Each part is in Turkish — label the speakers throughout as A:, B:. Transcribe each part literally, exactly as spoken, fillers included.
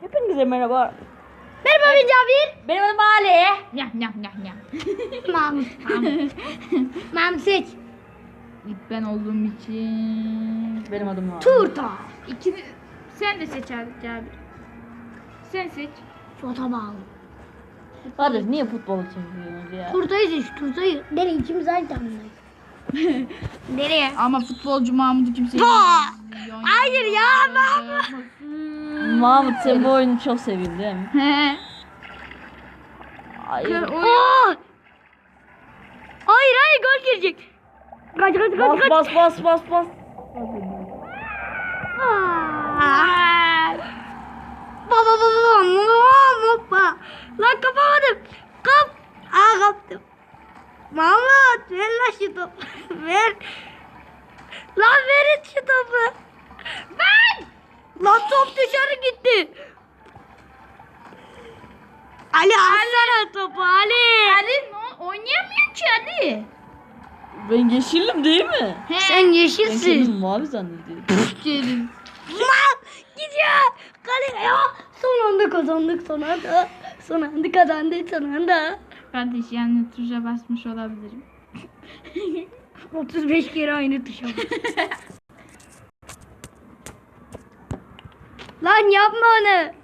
A: Hepinize merhaba.
B: Merhaba ben Cabir.
A: Benim adım Ali.
C: Nyah nyah nyah nyah.
B: Mahmut. Mahmut. Mahmut seç.
C: İlk ben olduğum için.
A: Benim adım var.
B: Turta.
C: İkini sen de seç abi Cabir. Sen seç.
B: Fota bağlı.
A: Kardeş niye futbolu çekiyorsunuz ya?
B: Turtayı seç. Turtayı. Nereye ikimiz aynı takımdayız. Nereye?
C: Ama futbolcu Mahmut'u kimse
B: Hayır ya Mahmut.
A: Mahmut sen bu oyunu çok sevdin değil mi?
C: He.
A: Hayır.
C: Kır- o-
B: Aa! Hayır hayır gol girecek. Kaç kaç
A: Bas
B: kaç kaç.
A: bas bas bas bas.
B: Aa! Baba baba baba baba. Lan kapamadım. Kap. Aa kaptım. Mahmut ver lan şu topu. Ver. Lan verin şu topu. Ben. Lan top dışarı gitti. Ali alsana topu Ali.
C: Ali ne- oynayamıyor ki Ali.
A: Ben yeşilim değil mi?
C: He.
B: Sen
A: Ben
B: yeşilsin.
A: kendimi mavi zannediyorum.
C: Gelin.
B: Lan gidiyor. Kale ya. Son anda kazandık son anda. Son anda kazandık son anda.
C: Kardeş yani tuşa basmış olabilirim.
B: otuz beş kere aynı tuşa bas. Lan yapma onu.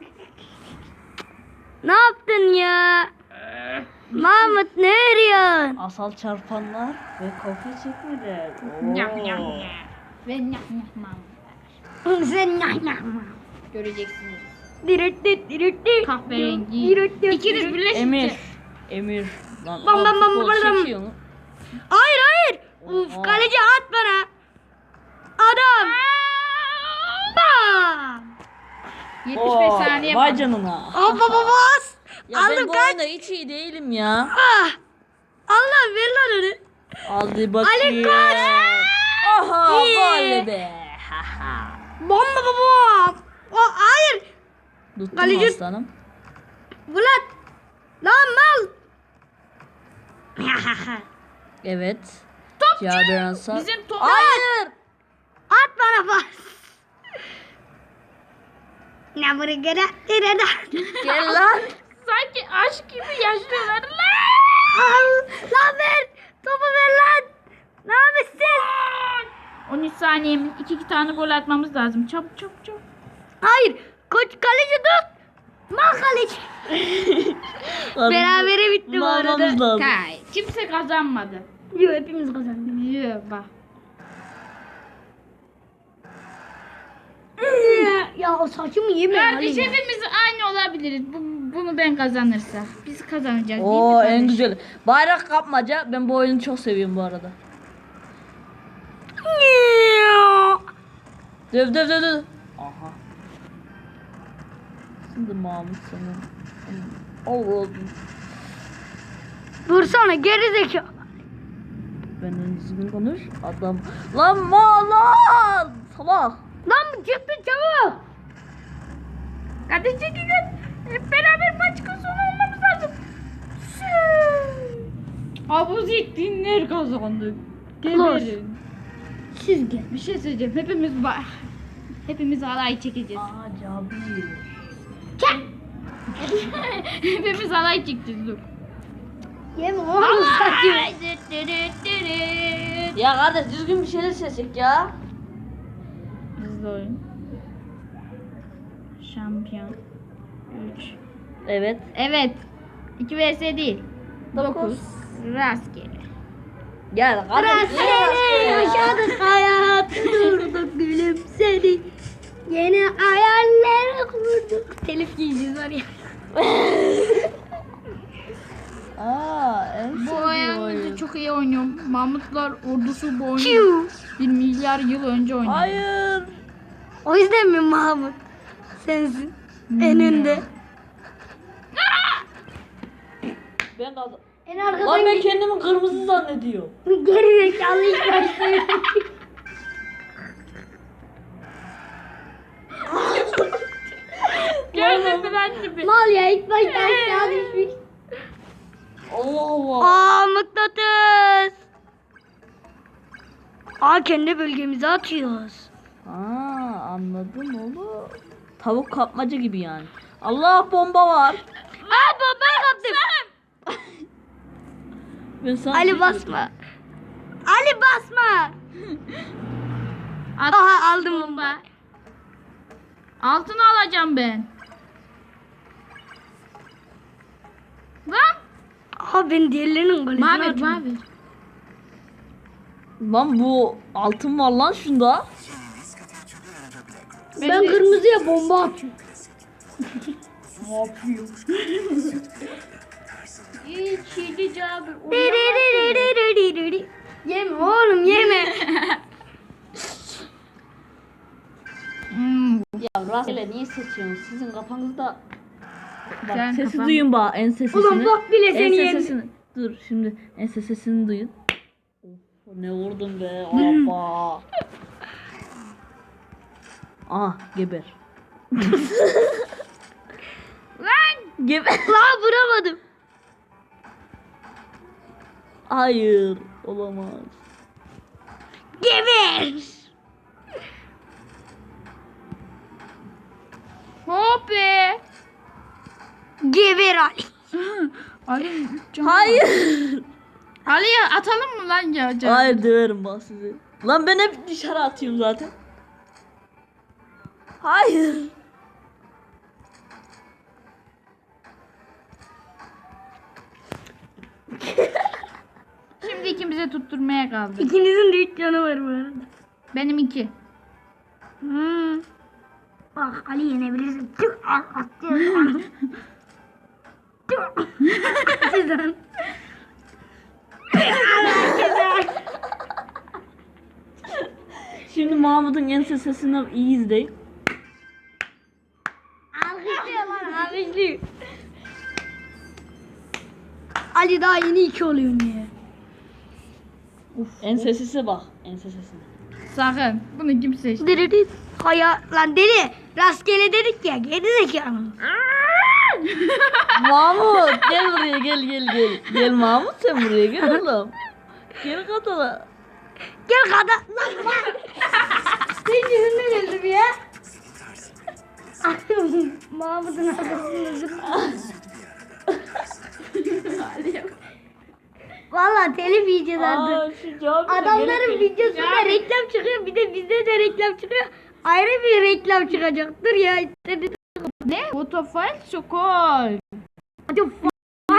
B: Ne yaptın ya? Mahmut ne arıyorsun?
A: Asal çarpanlar ve kopya çekmeler.
C: Nyah
A: Oo.
C: nyah nyah. Ve nyah nyah Mahmut.
B: Sen ne yapma.
C: Göreceksiniz.
B: Direttit direttit.
C: Kahverengi.
B: Direttit.
C: İkiniz birleşince.
A: Emir. Emir. Lan
B: Bam,
A: o
B: bam, bam,
A: futbol
B: bam, bam.
A: çekiyor mu?
B: Hayır hayır. Uf
A: Oha.
B: kaleci at bana. Adam. Bam.
C: yetmiş beş
A: Oo,
C: saniye
A: Vay
C: var.
A: canına.
B: Hop hop hop bas.
A: Ya ben
B: Aldım
A: bu
B: kaç.
A: oyunda hiç iyi değilim ya.
B: Ah. Allah ver lan onu.
A: Hadi bakayım.
B: koş.
A: Aha
B: İyi.
A: gol be. Haha.
B: Bomba baba. O hayır.
A: Tuttum
B: Kaleci-
A: aslanım.
B: Bulat. Lan mal.
A: Evet.
C: Topçu.
A: Cabir Ansar.
C: Bizim top.
A: Hayır.
B: At bana bas. Ne buraya gene? Nerede?
A: Gel lan.
C: Sanki aşk gibi yaşıyorlar lan.
B: Al. Lan ver. Topu ver lan. Ne yapıyorsun?
C: on üç saniyemiz. iki iki tane gol atmamız lazım. Çabuk çabuk çabuk.
B: Hayır. Koç kaleci tut. Mal kaleci. Berabere bitti bu arada.
A: Almamız lazım.
C: Kay. Kimse kazanmadı.
B: Yok hepimiz kazandık.
C: Yok bak.
B: Ya o saçımı yeme
C: Kardeş
B: Ali.
C: hepimiz aynı olabiliriz. Bu, bunu ben kazanırsa. Biz kazanacağız değil mi
A: Oo
C: kardeş?
A: en güzel. Bayrak kapmaca. Ben bu oyunu çok seviyorum bu arada. Döv döv döv döv. Aha. Şimdi Mahmut sanırım. Allah'ım.
B: Dursana geri zekalı.
A: Benden düzgün konuş. Adam. Lan ma lan. Salak.
B: Lan bu çıktı çabuk.
C: Kardeş çekilin. Hep beraber maç sonu olmamız lazım. Abuzettinler kazandı. Geberin.
B: Siz gel.
C: Bir şey söyleyeceğim. Hepimiz ba- hepimiz alay çekeceğiz.
A: Aa Cabir.
B: Çek.
C: Hepimiz alay çekeceğiz dur.
B: Yeme oğlum saçımı.
A: Ya kardeş düzgün bir şeyler seçecek ya.
C: Hızlı oyun. Şampiyon. üç.
A: Evet.
C: Evet. iki vs değil.
A: Dokuz.
C: dokuz. Rastgele.
A: Gel kardeş.
B: Rastgele yaşadık hayatı durduk gülümsedik. Yeni hayaller kurduk. Telif giyeceğiz var ya.
A: Aa en
C: Bu
A: sevdiğim
C: oyunu
A: oyun.
C: çok iyi oynuyorum. Mahmutlar ordusu bu oyunu
B: Çiu.
C: bir milyar yıl önce oynadı.
A: Hayır.
B: O yüzden mi Mahmut? Sensin. En önde.
A: Ben kazandım.
B: En
A: Lan
B: arkadan
A: ben kendimi kırmızı zannediyorum.
B: geri zekalı ilk başta.
C: Gördün ben gibi.
B: Mal ya ilk başta aşağı düşmüş.
A: Allah Allah.
B: Aa mıknatıs. Aa kendi bölgemize atıyoruz.
A: Aa anladım oğlum. Tavuk kapmaca gibi yani. Allah bomba var.
B: Aa bombayı kaptım.
A: Ben sana
B: Ali basma. Ali basma.
C: At
B: Aha aldım
C: bomba. Altını alacağım ben. Lan.
B: Aha ben diğerlerinin golünü
C: Mavi
B: atdım.
C: mavi.
A: Lan bu altın var lan şunda.
B: Ben kırmızıya bomba atıyorum.
A: Ne yapıyor?
B: İçili cabir. Yeme oğlum yeme.
C: Hmm.
A: Ya rastgele niye seçiyorsunuz? Sizin kafanızda... Bak
C: Sen
A: sesi
C: kafan-
A: duyun bak en sesini.
B: Ulan bak bile seni
A: En
B: yendi.
A: sesini. Dur şimdi en sesini duyun. Of, ne vurdun be. Hoppa. Aha geber.
C: Lan.
A: Geber.
B: La vuramadım.
A: Hayır olamaz.
B: Geber.
C: Hop be.
B: Geber Ali.
C: Ali. can-
A: Hayır.
C: Ali'ye atalım mı lan ya? can?
A: Hayır döverim bak sizi. Lan ben hep dışarı atıyorum zaten. Hayır.
C: Şimdi ikimize tutturmaya kaldı.
B: İkinizin de üç canı var bu arada.
C: Benim iki.
B: Hmm. Bak Ali yenebilirsin. Tüh, al, atıyor. Tüh. Güzel.
A: Şimdi Mahmut'un en sesini iyi izleyin.
B: Alkışlıyor lan alkışlıyor. Ali daha yeni iki oluyor ya.
A: En sesisi bak. En sesisine.
C: Sakın. Bunu kim seçti?
B: Deli Haya lan deli. Rastgele dedik ya. Geri zekalı.
A: Mahmut gel buraya gel gel gel. Gel Mahmut sen buraya gel oğlum. Gel katala.
B: Gel kadın. Lan lan. Senin yüzünden öldüm ya. Mahmut'un arkasında dur. Valla telif yiyeceğiz artık.
A: Aa, şu cevabı da
B: Adamların
A: gerek-
B: videosunda reklam çıkıyor. Bir de bizde de reklam çıkıyor. Ayrı bir reklam çıkacak. Dur ya. Hadi.
C: Ne? Otofile Sokol.
B: Hadi f-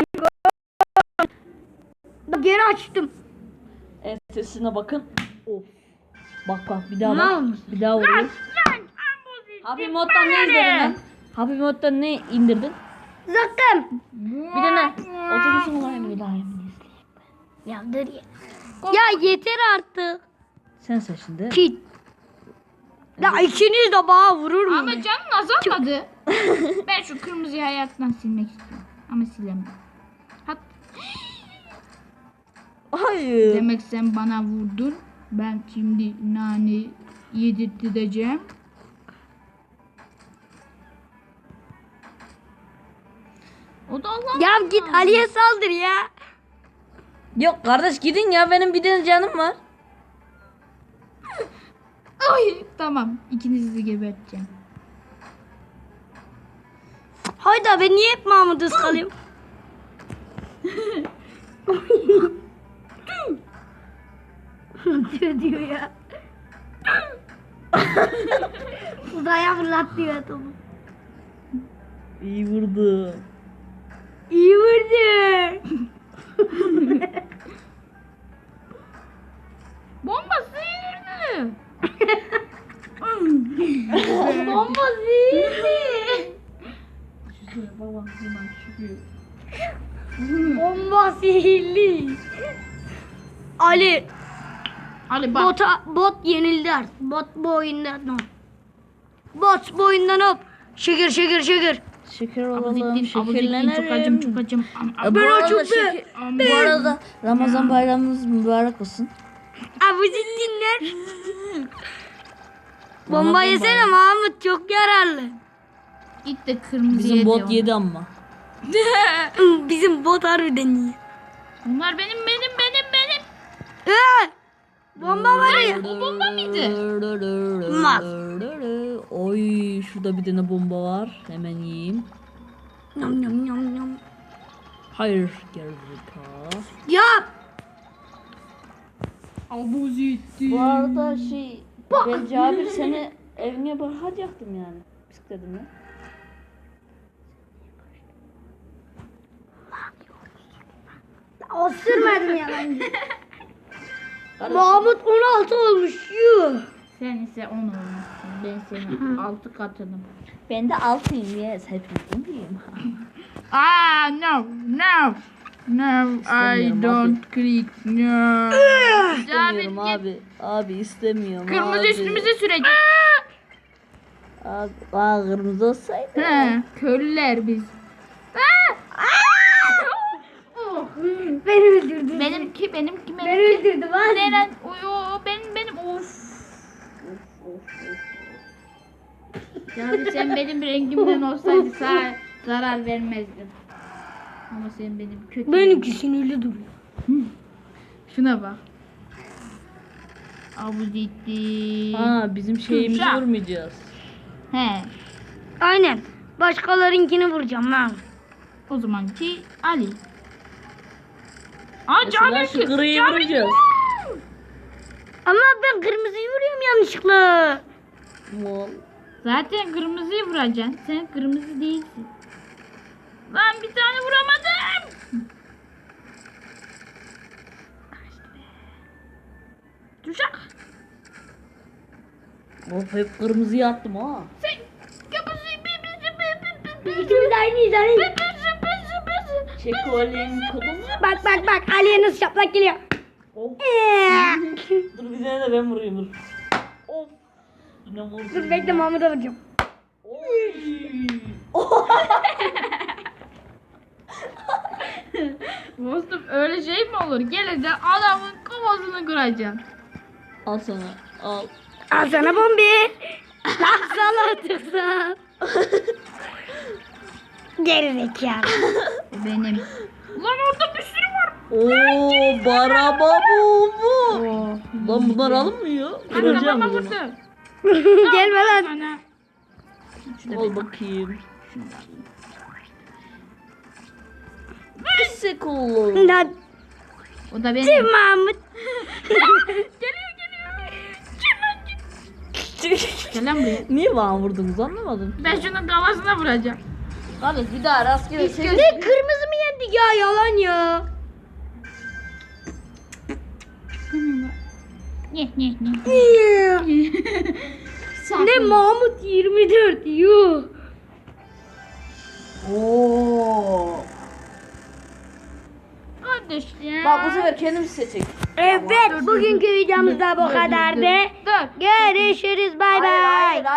B: Geri açtım.
A: En sesine bakın. Of. Bak bak bir daha
B: Ne
A: bak.
B: olmuş?
A: Bir daha vuruyor. Happy Mod'dan ne izledin lan? Happy Mod'dan ne indirdin?
B: Zaten.
A: Bir de ne? Otobüsün olayım bir daha yemin izleyeyim.
B: Ya dur ya. Ya yeter artık.
A: Sen seç şimdi.
B: Kit. Ya ikiniz de bana vurur mu?
C: Ama canın azalmadı. Ben şu kırmızıyı hayattan silmek istiyorum. Ama silemem. Hat
A: Hayır.
C: Demek sen bana vurdun. Ben şimdi nane yedirteceğim. O da Allah.
B: Ya git Ali'ye saldır ya.
A: Yok kardeş gidin ya benim bir tane canım var.
C: Ay tamam. İkinizi de geberteceğim.
B: Hayda ben niye hep Mahmut'u ıskalayayım? diyor diyor ya. Uzaya fırlat diyor topu.
A: İyi vurdu.
B: İyi vurdu.
C: Bomba sıyırdı.
B: Bomba zihni.
A: Baba hemen çıkıyor.
B: Bomba sihirli. Ali
C: Ali bak.
B: bota, bot yenildi artık. Bot bu oyunda no. Bot bu oyundan hop. Şeker şeker şeker.
A: Şeker
C: Abuzettin,
A: olalım,
C: abuzettin,
A: şekerlenelim.
C: çok acım, çok acım. Am, am.
A: E, bu
B: Ben
A: arada
B: açıldı.
A: şeker- Bu arada Ramazan bayramınız mübarek olsun.
B: Abu dinler. Bomba yesene Mahmut çok yararlı.
C: Git de kırmızı
A: Bizim
C: yedi
A: bot
C: onu.
A: yedi ama.
B: Bizim bot harbiden iyi.
C: Bunlar benim, benim, benim, benim.
B: Ee, Bomba var ya.
C: O bomba mıydı?
B: Olmaz.
A: Oy şurada bir tane bomba var. Hemen yiyeyim.
B: Yam yam yam yam.
A: Hayır gerizekalı.
B: Ya.
C: Abuzetti.
A: Bu arada şey ben Cabir seni evine bırakacaktım yani. Bisikletimle.
B: O sürmedim ya ben. Mahmut on altı olmuş. Yuh.
C: Sen ise on olmuşsun. Ben senin altı katınım.
A: Ben de altıyım yes. Hepiniz iyiyim.
C: Ah no no no I
A: İstemiyorum
C: don't click no. Cabir
A: İstemiyorum
C: git.
A: abi. Abi istemiyorum
C: Kırmızı
A: abi.
C: üstümüze sürecek.
A: Abi, aa, kırmızı olsaydı.
C: He, köylüler biz. Ah! Oh.
B: Beni öldürdü.
C: Benimki benimki
B: Beni
C: benimki.
B: öldürdü var.
C: Neren? Uyu benim benim of. Cabir sen benim rengimden olsaydı sana zarar vermezdin. Ama sen benim kötü.
B: Benimki sinirli duruyor.
C: Şuna bak. Abuzetti.
A: Aa bizim şeyimizi
C: Kürşat.
A: vurmayacağız.
C: He.
B: Aynen. Başkalarınkini vuracağım lan.
C: O zamanki Ali. Aa
A: Mesela
C: Cabir
A: şu
C: ki.
A: griyi
C: Cabir-
A: vuracağız.
B: Ama ben kırmızıyı vuruyorum yanlışlıkla.
A: Mol.
C: Zaten kırmızıyı vuracaksın. Sen kırmızı değilsin. Lan bir tane vuramadım. Düşak.
A: Of hep kırmızıya attım ha.
C: Sen kırmızıyı bir bir bir bir bir bir
B: İkimiz de aynıyız Ali.
C: bir bir bir bir.
A: Çek o Ali'nin kodunu.
B: Bak bak bak Ali'ye nasıl şaplak geliyor.
A: Of.
B: Ee,
A: Dur bir tane de ben vurayım dur. Of. Yine vurdum.
B: Dur bekle Mahmut'a vuracağım.
A: Oy.
C: Dostum öyle şey mi olur? Geleceksin adamın kafasını kıracaksın.
A: Al sana. Al.
B: Al sana bombi. Lan sana tıksan. Geri zekalı.
C: Benim. Lan orada bir sürü var.
A: Oo baraba bu bu.
C: Oo.
A: Lan bunlar alınmıyor.
C: Hadi
A: Kıracağım
C: kafama
A: o zaman.
C: vurdu.
B: Gelme lan.
C: Sana.
A: Al bakayım. Pisik oğlum.
B: Lan
C: O da benim.
B: Tim Mahmut.
C: Geliyor geliyor. Gel lan buraya.
A: Niye bana vurdunuz anlamadım.
C: Ben şunun kafasına vuracağım.
A: Kardeş bir daha rastgele seç.
B: Ne kırmızı mı yendik ya yalan ya.
C: Ne ne ne.
B: Ne Mahmut yirmi dört yuh.
A: Oo.
C: Kardeşim.
A: Bak bu sefer kendimiz seçecek.
B: Evet bugünkü videomuz da bu kadardı.
C: Dur.
B: Görüşürüz bay
A: Hayır,
B: bay.
A: hayır,